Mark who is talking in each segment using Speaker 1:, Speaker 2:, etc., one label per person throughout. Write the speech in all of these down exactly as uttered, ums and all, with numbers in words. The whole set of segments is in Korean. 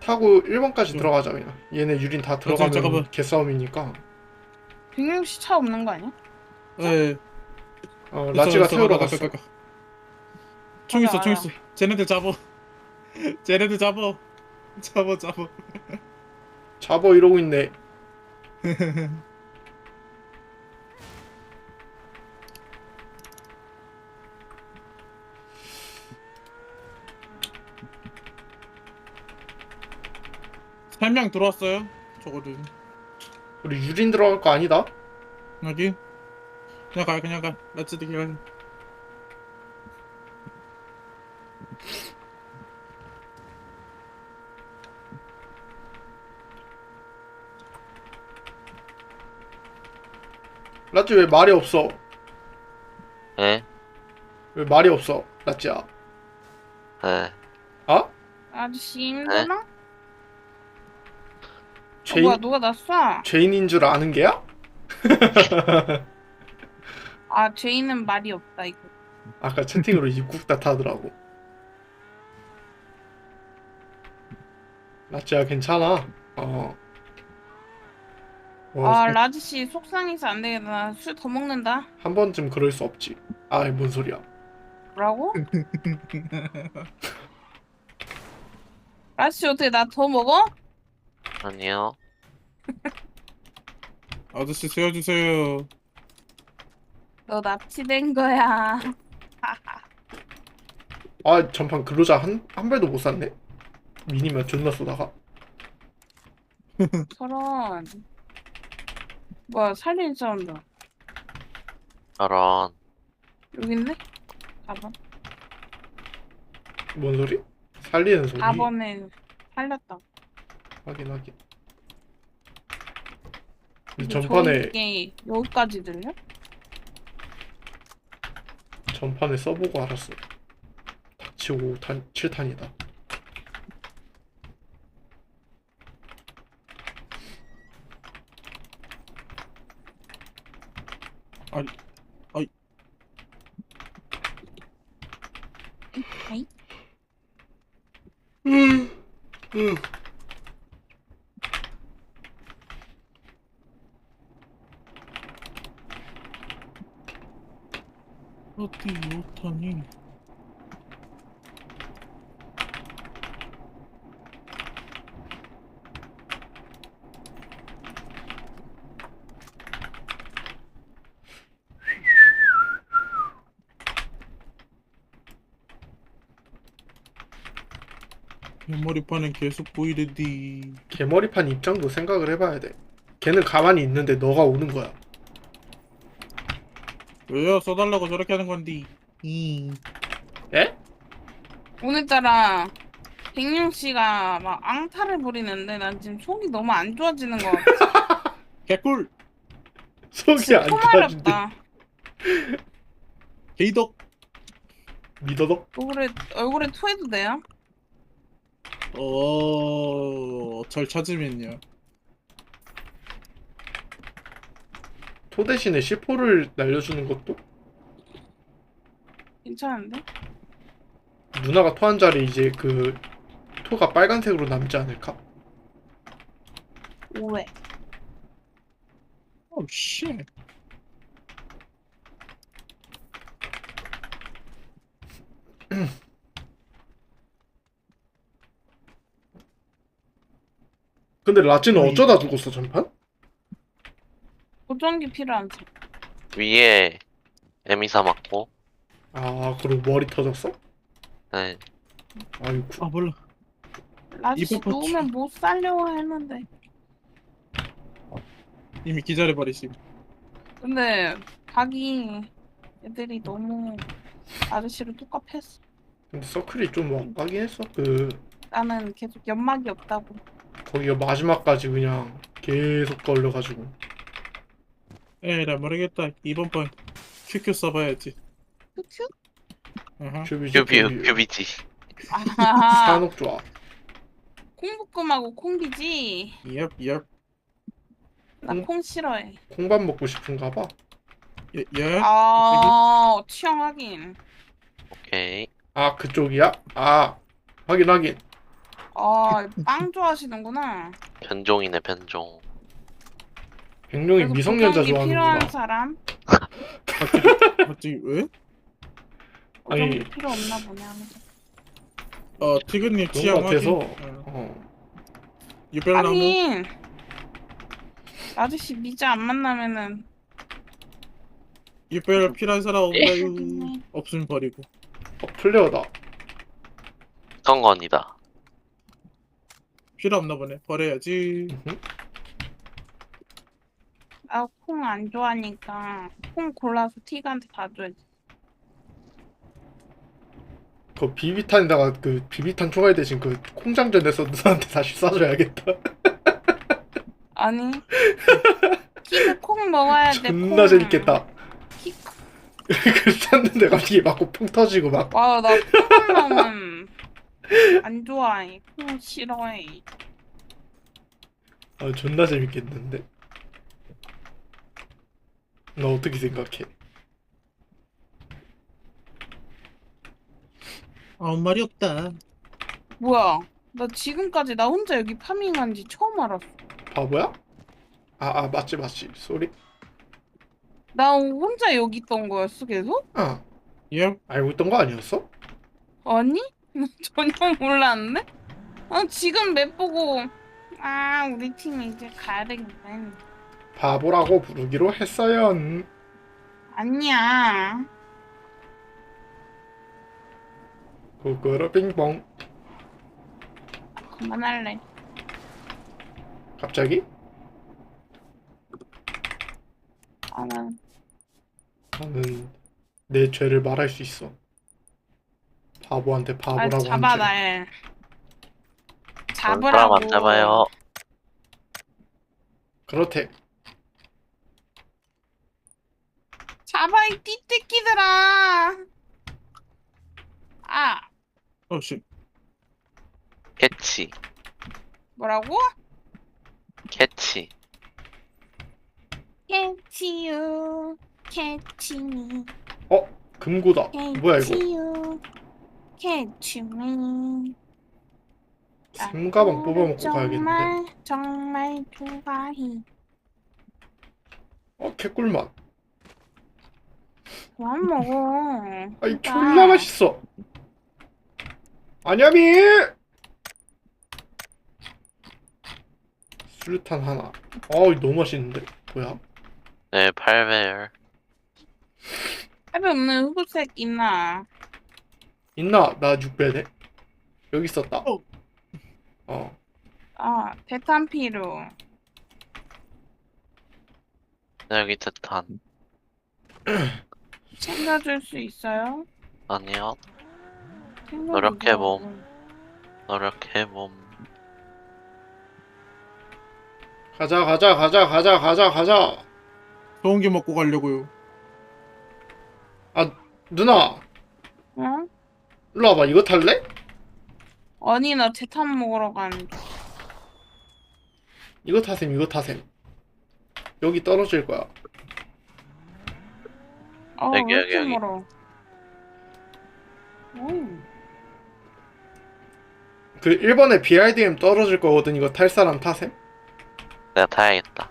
Speaker 1: 타고 일 번까지
Speaker 2: 응.
Speaker 1: 들어가자 그냥. 얘네 유린 다 들어가면
Speaker 2: 잠깐만.
Speaker 1: 개싸움이니까.
Speaker 3: 백룡 씨 차 없는 거 아니야?
Speaker 2: 에
Speaker 1: 어
Speaker 2: 있어
Speaker 1: 라찌가
Speaker 2: 있어
Speaker 1: 태우러
Speaker 2: 가가
Speaker 1: 갔어.
Speaker 2: 가가 총
Speaker 3: 맞아,
Speaker 2: 있어 총
Speaker 3: 맞아.
Speaker 2: 있어. 쟤네들 잡어. 쟤네들 잡어. 잡어 잡어.
Speaker 1: 잡어 이러고 있네.
Speaker 2: 한 명 들어왔어요. 저거는
Speaker 1: 우리 유린 들어갈 거 아니다?
Speaker 2: 여기 그냥 가 그냥 가. 렛츠디 가.
Speaker 1: 라찌 왜 말이 없어?
Speaker 4: 예?
Speaker 1: 왜 말이 없어? 라찌야.
Speaker 4: 예.
Speaker 1: 아?
Speaker 3: 아저씨 힘드나? 어,
Speaker 1: 죄인
Speaker 3: 뭐야 누가 나 쏴?
Speaker 1: 죄인인 줄 아는 게야?
Speaker 3: 아 죄인은 말이 없다 이거.
Speaker 1: 아까 채팅으로 입국 다 타더라고. 라찌야 괜찮아. 어. 어,
Speaker 3: 아 라지 씨 속상해서 안 되겠다. 나 술 더 먹는다.
Speaker 1: 한 번쯤 그럴 수 없지. 아이 뭔 소리야.
Speaker 3: 뭐라고? 라지 씨 어떻게 나 더 먹어?
Speaker 4: 아니요.
Speaker 2: 아저씨 세워주세요.
Speaker 3: 너 납치된 거야.
Speaker 1: 아 전판 근로자 한, 한 발도 못 쐈네. 미니면 존나 쏘다가.
Speaker 3: 저런. 뭐야 살린 사운드.
Speaker 4: 저런.
Speaker 3: 여기 있네? 사 번.
Speaker 1: 뭔 소리? 살리는 소리.
Speaker 3: 사 번에 살렸다.
Speaker 1: 확인 확인. 근데
Speaker 3: 이게
Speaker 1: 전판에
Speaker 3: 이게 여기까지 들려?
Speaker 1: 전판에 써보고 알았어. 닥치고 탄 칠 탄이다.
Speaker 2: 아니 아이
Speaker 3: 아이?
Speaker 1: 음, 음.
Speaker 2: 어디 오타니? 메모리판은 계속 보이르디.
Speaker 1: 개머리판 입장도 생각을 해봐야 돼. 걔는 가만히 있는데 너가 오는 거야.
Speaker 2: 왜요? 써달라고 저렇게 하는 건디. 이
Speaker 1: 에?
Speaker 3: 오늘따라 백룡 씨가 막 앙탈을 부리는데 난 지금 속이 너무 안 좋아지는 것 같아.
Speaker 2: 개꿀.
Speaker 1: 속이 안 좋아진대.
Speaker 3: 토말렵다.
Speaker 2: 게이덕.
Speaker 1: 믿어도?
Speaker 3: 얼굴에 얼굴에 토해도 돼요?
Speaker 2: 어, 절 찾으면요.
Speaker 1: 토 대신에 씨포를 날려주는 것도?
Speaker 3: 괜찮은데?
Speaker 1: 누나가 토한 자리 이제 그 토가 빨간색으로 남지 않을까?
Speaker 3: 왜?
Speaker 2: 오 쉣.
Speaker 1: 근데 라찌는
Speaker 2: 아니.
Speaker 1: 어쩌다 죽었어 전판?
Speaker 3: 보정기 필요한 사
Speaker 4: 위에 에미사 맞고.
Speaker 1: 아 그리고 머리 터졌어?
Speaker 4: 네.
Speaker 1: 아이고.
Speaker 2: 아 몰라.
Speaker 3: 라지
Speaker 2: 이번
Speaker 3: 누우면 못 살려고 했는데.
Speaker 2: 이미 기절해버리심.
Speaker 3: 근데 자기 애들이 너무 아저씨를 똑같았어.
Speaker 1: 근데 서클이 좀 엇가긴 했어. 그
Speaker 3: 나는 계속 연막이 없다고.
Speaker 1: 거기가 마지막까지 그냥 계속 걸려가지고.
Speaker 2: 에라 모르겠다. 이번 번 큐큐 써봐야지.
Speaker 3: 큐큐?
Speaker 2: 아하.
Speaker 1: 큐비지
Speaker 4: 큐뷰,
Speaker 1: 큐비.
Speaker 4: 큐비지.
Speaker 3: 아하.
Speaker 1: 산옥 좋아.
Speaker 3: 콩볶음하고 콩비지.
Speaker 2: 얍 얍.
Speaker 3: 나
Speaker 1: 콩-
Speaker 3: 콩 싫어해.
Speaker 1: 콩밥 먹고 싶은가 봐.
Speaker 2: 예 예.
Speaker 3: 아 취향 확인.
Speaker 4: 오케이.
Speaker 1: 아 그쪽이야? 아 확인 확인.
Speaker 3: 아, 빵 좋아하시는구나.
Speaker 4: 변종이네 변종.
Speaker 1: 백룡이
Speaker 3: 그래서
Speaker 1: 미성년자
Speaker 3: 보정기 필요한
Speaker 1: 좋아하는구나.
Speaker 3: 사람?
Speaker 2: 갑자기 갑자기 왜?
Speaker 3: 보정기
Speaker 1: 아니,
Speaker 3: 필요 없나 보네 하면서.
Speaker 2: 어 티그님
Speaker 1: 그런
Speaker 2: 취향
Speaker 1: 것 같아서.
Speaker 2: 확인. 어.
Speaker 1: 어.
Speaker 2: 유별나무
Speaker 3: 아니, 아저씨 미자 안 만나면은
Speaker 2: 유별 필요한 사람 없나요?
Speaker 3: 모르겠네.
Speaker 2: 없으면 버리고.
Speaker 1: 어, 플레어다.
Speaker 4: 성건이다.
Speaker 2: 필요 없나 보네. 버려야지.
Speaker 1: 음흠.
Speaker 3: 나 콩 안 좋아하니까 콩 골라서 티가한테 다 줘야지.
Speaker 1: 그 비비탄에다가 그 비비탄 총알 대신 그 콩장전에서 누나한테 다시 쏴줘야겠다.
Speaker 3: 아니, 키도 콩 먹어야 돼.
Speaker 1: 존나
Speaker 3: 콩.
Speaker 1: 재밌겠다.
Speaker 3: 키...
Speaker 1: 그 쐈는데 갑자기 맞고 펑 터지고 막.
Speaker 3: 와, 나 콩한 놈은 안 좋아해. 콩 싫어해.
Speaker 1: 아, 존나 재밌겠는데. 너 어떻게 생각해?
Speaker 2: 아무 말이 없다.
Speaker 3: 뭐야? 나 지금까지 나 혼자 여기 파밍한 지 처음 알았어.
Speaker 1: 바보야? 아, 아, 맞지, 맞지. 쏘리.
Speaker 3: 나 혼자 여기 있던 거였어, 계속?
Speaker 1: 아,
Speaker 2: 예?
Speaker 1: 알고 있던 거 아니었어?
Speaker 3: 아니? 전혀 몰랐는데? 아, 지금 맵 보고, 아, 우리 팀 이제 가야 되겠네.
Speaker 1: 바보라고 부르기로 했어요. 음.
Speaker 3: 아니야.
Speaker 1: 구구로 빙봉.
Speaker 3: 그만할래.
Speaker 1: 갑자기?
Speaker 3: 아, 난
Speaker 1: 나는 내 죄를 말할 수 있어. 바보한테
Speaker 3: 아,
Speaker 1: 바보라고 한
Speaker 3: 잡아,
Speaker 1: 죄.
Speaker 3: 날.
Speaker 4: 사람
Speaker 3: 잡으라고.
Speaker 4: 안 잡아요.
Speaker 1: 그렇대.
Speaker 3: 잡아, 이 띠띠끼들아. 아,
Speaker 2: 어씨.
Speaker 4: 캐치.
Speaker 3: 뭐라고?
Speaker 4: 캐치.
Speaker 3: 캐치유, 캐치미,
Speaker 1: 어? 금고다. 뭐야 이거?
Speaker 3: 캐치유, 캐치미.
Speaker 1: 샘가방 뽑아먹고 가야겠는데.
Speaker 3: 정말 정말 좋아해.
Speaker 1: 어, 개꿀맛.
Speaker 3: 그만 먹어.
Speaker 1: 아이,
Speaker 3: 진짜.
Speaker 1: 졸라 맛있어. 아냐미! 수류탄 하나. 어우, 너무 맛있는데. 뭐야?
Speaker 4: 네, 팔 배열.
Speaker 3: 할배 없는 흑색 있나?
Speaker 1: 있나? 나 육 배네. 여기 있었다.
Speaker 2: 어.
Speaker 1: 어.
Speaker 3: 아, 대탄 필요.
Speaker 4: 네, 여기 대탄.
Speaker 3: 챙겨줄 수 있어요?
Speaker 4: 아니요.
Speaker 3: 챙겨주세요.
Speaker 4: 노력해봄. 노력해봄.
Speaker 1: 가자, 가자, 가자, 가자, 가자, 가자.
Speaker 2: 좋은 게 먹고 가려고요.
Speaker 1: 아, 누나.
Speaker 3: 응?
Speaker 1: 일로 와봐. 이거 탈래?
Speaker 3: 아니, 나 대탄 먹으러 가는 중.
Speaker 1: 이거 타셈, 이거 타셈. 여기 떨어질 거야.
Speaker 3: 어,
Speaker 4: 여기,
Speaker 3: 왜
Speaker 4: 여기,
Speaker 3: 이렇게
Speaker 4: 여기.
Speaker 3: 멀어? 음.
Speaker 1: 그 일 번에 비아이디엠 떨어질 거거든. 이거 탈 사람 타셈?
Speaker 4: 내가 타야겠다.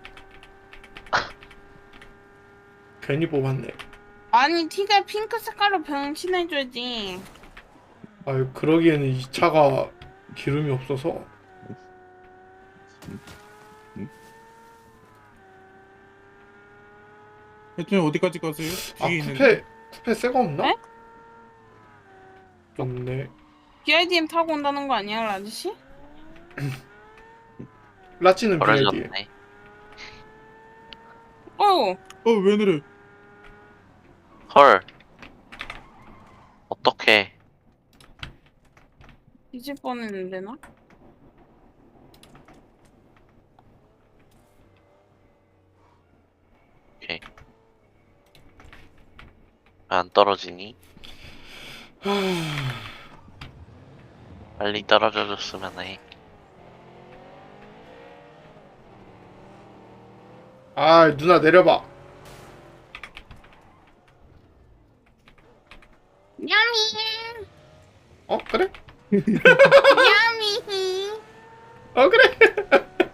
Speaker 1: 괜히 뽑았네.
Speaker 3: 아니, 티가 핑크 색깔로 변신해줘야지.
Speaker 1: 아유, 그러기에는 이 차가 기름이 없어서.
Speaker 2: 대통령 어디까지 가세요?
Speaker 1: 아,
Speaker 2: 뒤에 있는데.
Speaker 1: 쿠페, 쿠페 새거 없나?
Speaker 3: 네?
Speaker 1: 없네.
Speaker 3: 비아이디엠 타고 온다는 거 아니야, 아저씨?
Speaker 1: 라찌는 비아이디엠.
Speaker 4: 버려졌네.
Speaker 3: 어,
Speaker 2: 어왜 그래?
Speaker 4: 헐. 어떡해.
Speaker 3: 뒤질 뻔했는데, 나?
Speaker 4: 오케이. 왜 안 떨어지니? 빨리 떨어져줬으면 해.
Speaker 1: 아, 누나 내려봐.
Speaker 3: 야미!
Speaker 1: 어, 그래?
Speaker 3: 야미!
Speaker 1: 어 그래.